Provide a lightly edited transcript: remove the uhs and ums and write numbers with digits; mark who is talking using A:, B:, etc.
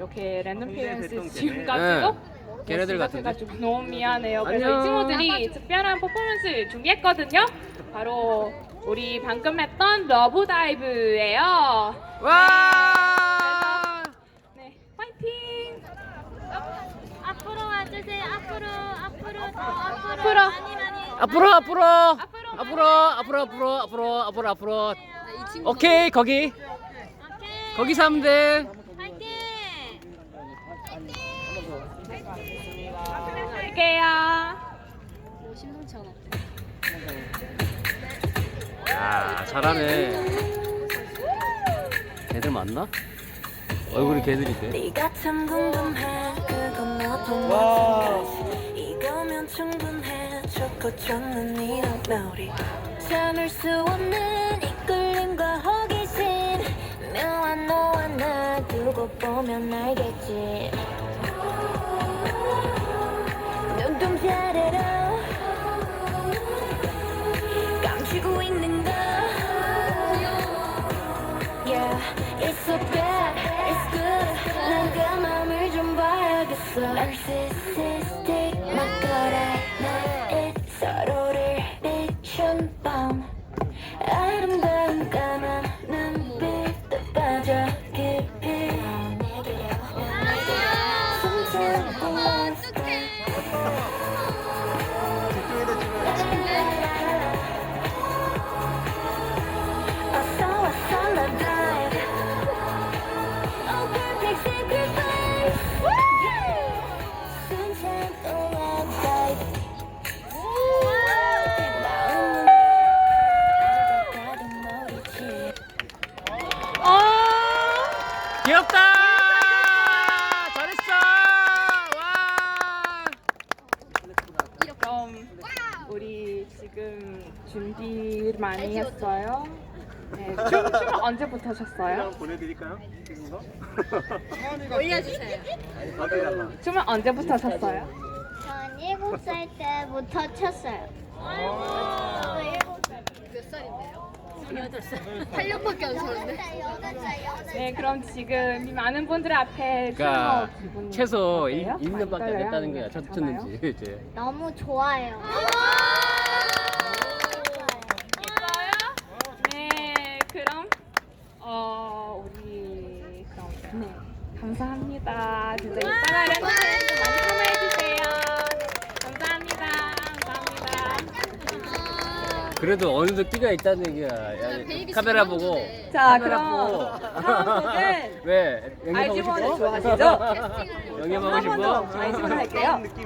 A: 이렇게 랜덤 페이런스 지금까지도
B: 걔네들 같은데.
A: 가지고 너무 미안해요. 그래서 이
B: 안녕.
A: 친구들이 특별한 퍼포먼스를 준비했거든요. 바로 우리 방금 했던 러브 다이브예요.
B: 와!
A: 네, 파이팅!
C: 앞으로 와주세요. 앞으로 더 앞으로.
A: 앞으로.
B: 앞으로. 오케이, 거기. 거기서 하면 돼.
C: 파이팅!
A: 할게요.
B: 야, 잘하네. 걔들 맞나? 얼굴이 걔들인데.
D: 네가 참 궁금해 그건 너도 마찬가지 이거면 충분해 좋고 좋는 이런 우리 참을 수 없는 이끌림과 호기심 묘한 너와 나 두고 보면 알겠지 눈동자래로 감추고 있는 거 Yeah, it's so bad, it's good 난 그 맘을 좀 봐야겠어 Narcissistic 막걸리 night 서로를 비춘 밤 아름다운 까만 눈빛도 빠져 깊이 숨차고 왔어 나 dive Oh perfect sacrifice 숨차고 난 dive
B: 귀엽다! 잘했어! 와!
A: 그럼 우리 지금 준비 많이 했어요. 네, 춤은 언제부터 하셨어요?
E: 보내드릴까요? 지금 거?
A: 춤은 언제부터 하셨어요?
C: 전 7살 때부터 쳤어요.
A: 네, 그럼 지금 이 많은 분들 앞에
B: 그러니까
A: 춤을 기분
B: 최소
A: 어때요?
B: 1년밖에 안
A: 떨려요?
B: 됐다는 거야.
A: 아니면
B: 쳤는지 이제.
C: 너무 좋아요.
A: 있어요? 네, 그럼 우리 그럼 네, 감사합니다. 진짜 이따가 랜덤에서 많이 참여해 주세요. 감사합니다.
B: 그래도 어느 정도 끼가 있다는 얘기야. 야, 카메라 보고.
A: 자,
B: 카메라
A: 그럼 다음 곡은
B: 왜? 영입하고
A: 아이즈원을
B: 싶어?
A: 좋아하시죠?
B: 영입하고
A: 한 번 더
B: 싶어?
A: 아이즈원 할게요.